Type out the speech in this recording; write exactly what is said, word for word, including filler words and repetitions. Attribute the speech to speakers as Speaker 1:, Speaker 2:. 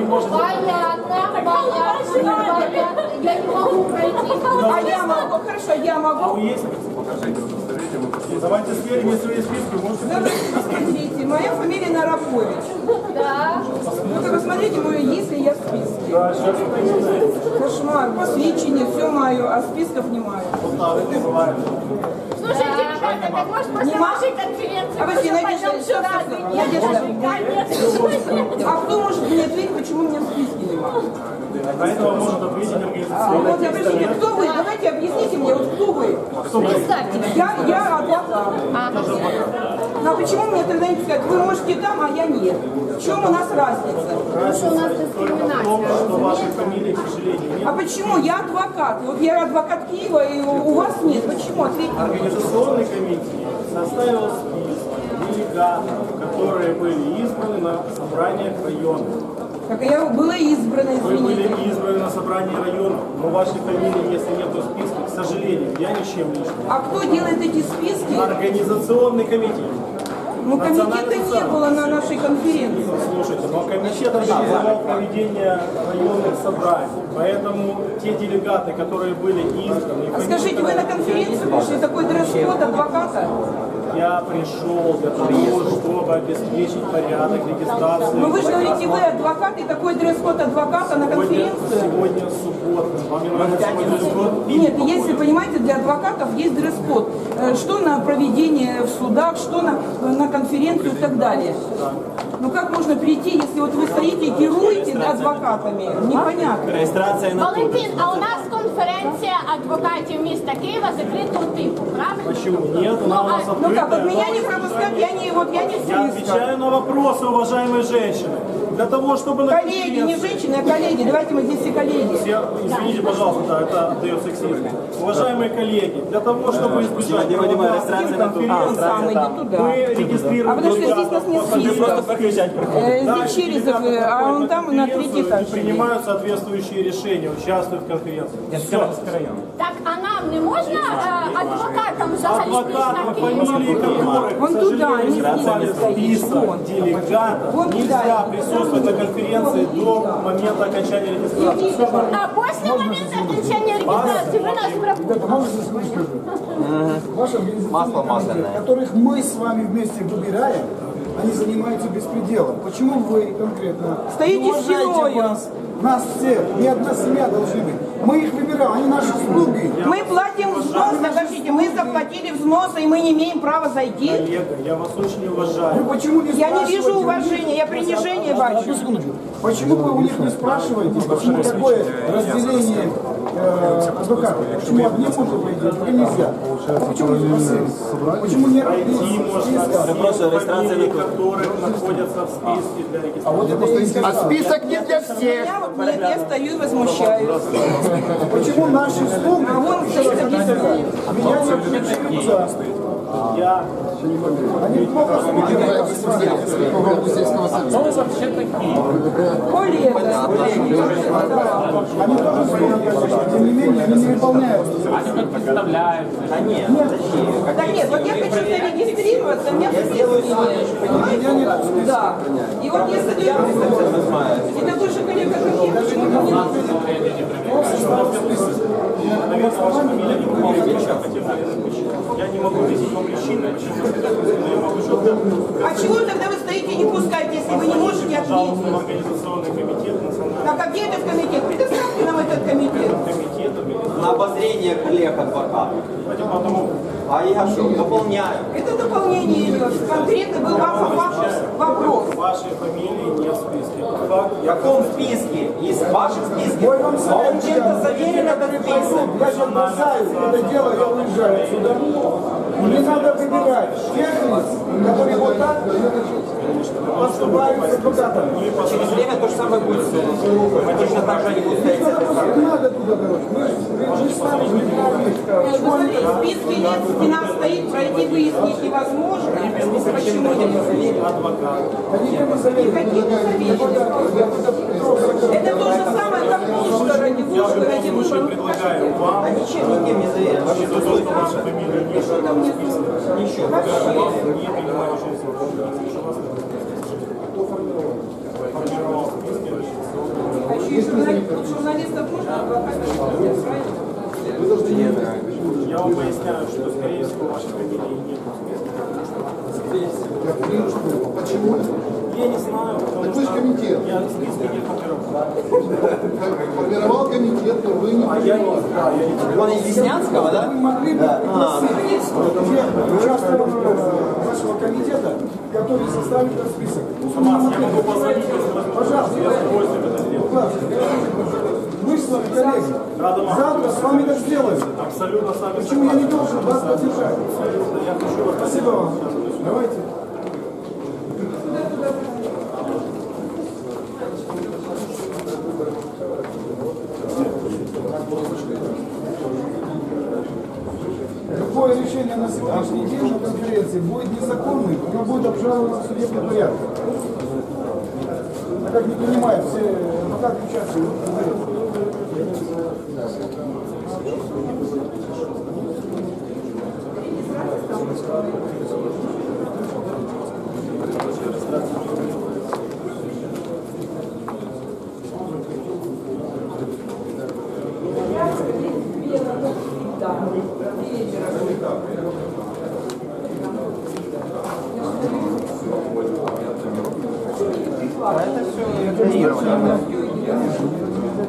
Speaker 1: можете...
Speaker 2: Понятно, понятно, понятно. Я не могу пройти.
Speaker 3: А я могу, хорошо, я
Speaker 1: А
Speaker 3: могу.
Speaker 1: вы есть?
Speaker 4: Покажите удостоверение, мы посмотрим.
Speaker 1: Давайте сверим, если есть списки, можете...
Speaker 3: Давайте посмотрите, моя фамилия Нарапович.
Speaker 2: Да.
Speaker 3: Ну-ка посмотрите мою, есть ли я в списке.
Speaker 1: Да, сейчас это
Speaker 3: Кошмар, посвящение, все мое, а списков не маю.
Speaker 1: вот так не бывает.
Speaker 2: Слушайте, ребята, так может после
Speaker 3: Нема?
Speaker 2: вашей конференции
Speaker 3: А вы все,
Speaker 2: мы
Speaker 3: Надежда,
Speaker 2: пойдем
Speaker 3: что
Speaker 2: сюда?
Speaker 3: ты? Надежда.
Speaker 2: Конечно.
Speaker 3: А кто может мне ответить, почему у меня в списке нема?
Speaker 1: На этого может ответить
Speaker 3: А
Speaker 1: организационный
Speaker 3: вот обращение, кто вы? Давайте объясните мне, вот кто вы?
Speaker 2: Представьте.
Speaker 3: Я, я адвокат. Ну а почему мне тогда не сказать, вы можете там, а я нет? В чем у нас разница?
Speaker 2: Потому что у нас
Speaker 1: только в том, что вашей фамилии, к сожалению, нет.
Speaker 3: А почему? Я адвокат. Вот я адвокат Киева, и у вас нет. Почему? Ответьте.
Speaker 1: Организационный комитет составил список делегатов, которые были избраны на собраниях района.
Speaker 3: Как я была избрана,
Speaker 1: Вы были
Speaker 3: извините.
Speaker 1: избраны на собрании района, но вашей фамилии, если нет в списке, к сожалению, я ничем лично.
Speaker 3: А кто делает эти списки?
Speaker 1: Организационный комитет.
Speaker 3: Ну, комитета не было на нашей конференции.
Speaker 1: Слушайте, но комитет организовал проведение районных собраний, поэтому те делегаты, которые были избраны...
Speaker 3: А скажите, вы на конференцию пришли, такой дресс-код адвоката?
Speaker 1: Я пришел для того, чтобы обеспечить порядок регистрации.
Speaker 3: Ну вы же говорите, вы адвокат, и такой дресс-код адвоката на
Speaker 1: Сегодня,
Speaker 3: конференцию?
Speaker 1: сегодня суббота. Вам не нравится мой дресс-код?
Speaker 3: Нет, если, понимаете, для адвокатов есть дресс-код. Э, Что на проведение в судах, что на, на конференцию и так далее. Ну как можно прийти, если вот вы стоите и геруете адвокатами? Непонятно.
Speaker 4: Реєстрація на тут.
Speaker 2: Валентин, а у нас конференція адвокатів міста Києва закритого типу, правильно?
Speaker 1: Почему? Нет, она у нас
Speaker 3: Ну как,
Speaker 1: открытая.
Speaker 3: вот меня не пропускать, я не, вот я не в
Speaker 1: Я
Speaker 3: списках.
Speaker 1: отвечаю на вопросы, уважаемые женщины. Для того, чтобы на
Speaker 3: Коллеги, не
Speaker 1: конференции-
Speaker 3: женщины, а коллеги. Давайте мы здесь все коллеги.
Speaker 1: Все, извините, пожалуйста, да, это отдает сексизм. Уважаемые коллеги, для того, чтобы избежать
Speaker 4: Дима, Дима,
Speaker 1: провокаций
Speaker 4: регистрация
Speaker 1: на
Speaker 4: на тут.
Speaker 3: Он
Speaker 1: конференции,
Speaker 3: сам идет туда.
Speaker 1: мы регистрируем
Speaker 3: А подожди, здесь
Speaker 1: делегатов
Speaker 3: нас нет
Speaker 1: по
Speaker 3: списка.
Speaker 1: фамилиям.
Speaker 4: Покричать приходить.
Speaker 3: Э, Здесь Черезов,
Speaker 1: делегаты,
Speaker 3: а
Speaker 1: которые
Speaker 3: он там на третий
Speaker 1: конференцию
Speaker 3: этаж.
Speaker 1: и принимают соответствующие решения, участвуют в конференции. Все.
Speaker 2: Так, а нам не можна е, адвокатам взагалі
Speaker 1: Адвокаты,
Speaker 2: на
Speaker 1: фамилии которых,
Speaker 3: Вон
Speaker 1: к
Speaker 3: туда,
Speaker 1: сожалению,
Speaker 3: не
Speaker 1: не попали в
Speaker 3: стоит.
Speaker 1: список
Speaker 3: Вон.
Speaker 1: делегатов,
Speaker 3: Вон туда.
Speaker 1: нельзя присутствовать на конференции до момента окончания регистрации. Все нормально.
Speaker 2: А після моменту окончання реєстрації ви нас пропустите.
Speaker 5: Ваши
Speaker 4: Масло
Speaker 5: организационные
Speaker 4: масляное.
Speaker 5: комитеты, которых мы с вами вместе выбираем, они занимаются беспределом. Почему вы конкретно
Speaker 3: Стоите
Speaker 5: не уважаете
Speaker 3: стеною.
Speaker 5: вас, нас всех? Ни одна семья должны быть. Мы их выбираем, они наши слуги.
Speaker 3: Мы платим взнос, подождите, мы заплатили взносы, и мы не имеем права зайти.
Speaker 1: Коллега, я вас очень
Speaker 5: Вы
Speaker 1: уважаю.
Speaker 5: почему не
Speaker 3: Я не
Speaker 5: спрашиваете
Speaker 3: вижу
Speaker 5: у них-
Speaker 3: уважения, я принижение бачу.
Speaker 5: Одну секундочку. Почему вы у них не спрашиваете, почему такое разделение э, адвокатов? Почему одни могут пойти, а другие нельзя? Почему не спросили? Почему не
Speaker 1: Пройти можно
Speaker 5: списка?
Speaker 1: все
Speaker 4: регистрация
Speaker 1: фамилии,
Speaker 4: не тут.
Speaker 1: которых находятся в списке для регистрации.
Speaker 5: А вот это интересно.
Speaker 6: Список не для всех.
Speaker 3: Я вот нет, я стою и возмущаюсь.
Speaker 5: Почему наши слуги
Speaker 3: А вон стоит объяснение.
Speaker 5: меня не включаются?
Speaker 1: Я
Speaker 5: Они плохо смотрят.
Speaker 3: Коллега.
Speaker 5: Они тоже свои обязанности, тем не менее, они не выполняют.
Speaker 3: Да нет, вот я хочу зарегистрироваться, у меня в списке нет. Понимаете? Да. И вот я стою и возмущаюсь. И такой же коллега, как я, почему-то не
Speaker 1: наверное, ваша фамилия не выполняет Я не могу объяснить вам причины, почему но я могу что-то
Speaker 3: А чего тогда вы стоите и не пускаете, если вы не можете
Speaker 1: пожалуйста, в
Speaker 3: ответить?
Speaker 1: организационный комитет, национальный
Speaker 3: А где этот комитет? Предоставьте нам этот комитет.
Speaker 1: комитет, организационный.
Speaker 4: На обозрение коллег адвокатов.
Speaker 1: Давайте потому,
Speaker 4: А я что, дополняю.
Speaker 3: Это дополнение идет. Конкретно был вам вопрос.
Speaker 1: вашей фамилии нет в списке. Факт.
Speaker 4: В каком списке? Есть в вашем списке?
Speaker 5: Мой вам
Speaker 4: А он
Speaker 5: совет,
Speaker 4: чем-то заверен этот список?
Speaker 5: Я сейчас бросаю это дело, я уезжаю отсюда. Не надо выбирать тех лиц, которые вот так поступают с адвокатами.
Speaker 4: Через время то же самое будет с точно так же они будут стоять с этой стороны.
Speaker 5: Не надо туда, короче. Мы же мы же сами выбираем.
Speaker 3: Вы смотрите, в списке нет, стена стоит, пройти выяснить невозможно. Почему нельзя?
Speaker 1: Адвокат.
Speaker 5: Они не заверили.
Speaker 3: Хотите заверить? Это то же самое, как в Ужгороде. В
Speaker 1: Я в
Speaker 3: Ужгороде
Speaker 1: любом случае
Speaker 3: выборы
Speaker 1: предлагаю вам,
Speaker 4: А ничем никем не заверен.
Speaker 1: за то, что ваша фамилия не в списке,
Speaker 4: Ничего.
Speaker 1: вам не принимаю участие в конференции, что вас формировал в списке
Speaker 3: Вот журналистов можно адвокатов правильно?
Speaker 1: Я вам поясняю, что, скорее всего, вашей фамилии нет.
Speaker 5: Почему?
Speaker 1: Я не знаю, потому
Speaker 5: Так вы же
Speaker 1: что
Speaker 5: комитет.
Speaker 1: я в списке не формировал.
Speaker 5: Формировал комитет, но вы не
Speaker 1: А я не знаю, я не
Speaker 4: Вон из Деснянского, да?
Speaker 5: Вы могли бы пригласить тех участников вашего комитета, которые составят этот список.
Speaker 1: Хамас, я могу позвонить, если возможно.
Speaker 5: Пожалуйста.
Speaker 1: Я с удовольствием это сделаю.
Speaker 5: Мы с вами коллеги.
Speaker 1: Рада вам.
Speaker 5: Завтра с вами так сделаем.
Speaker 1: Абсолютно с вами
Speaker 5: Почему я не
Speaker 1: согласен.
Speaker 5: должен вас поддержать?
Speaker 1: Абсолютно. Я хочу вас
Speaker 5: Спасибо вам. Давайте. Любое решение на сегодняшний день на конференции будет незаконным, оно будет обжаловано в судебный порядок. А как не понимают все адвокаты участвуют в конференции.
Speaker 4: Это все игнорирование.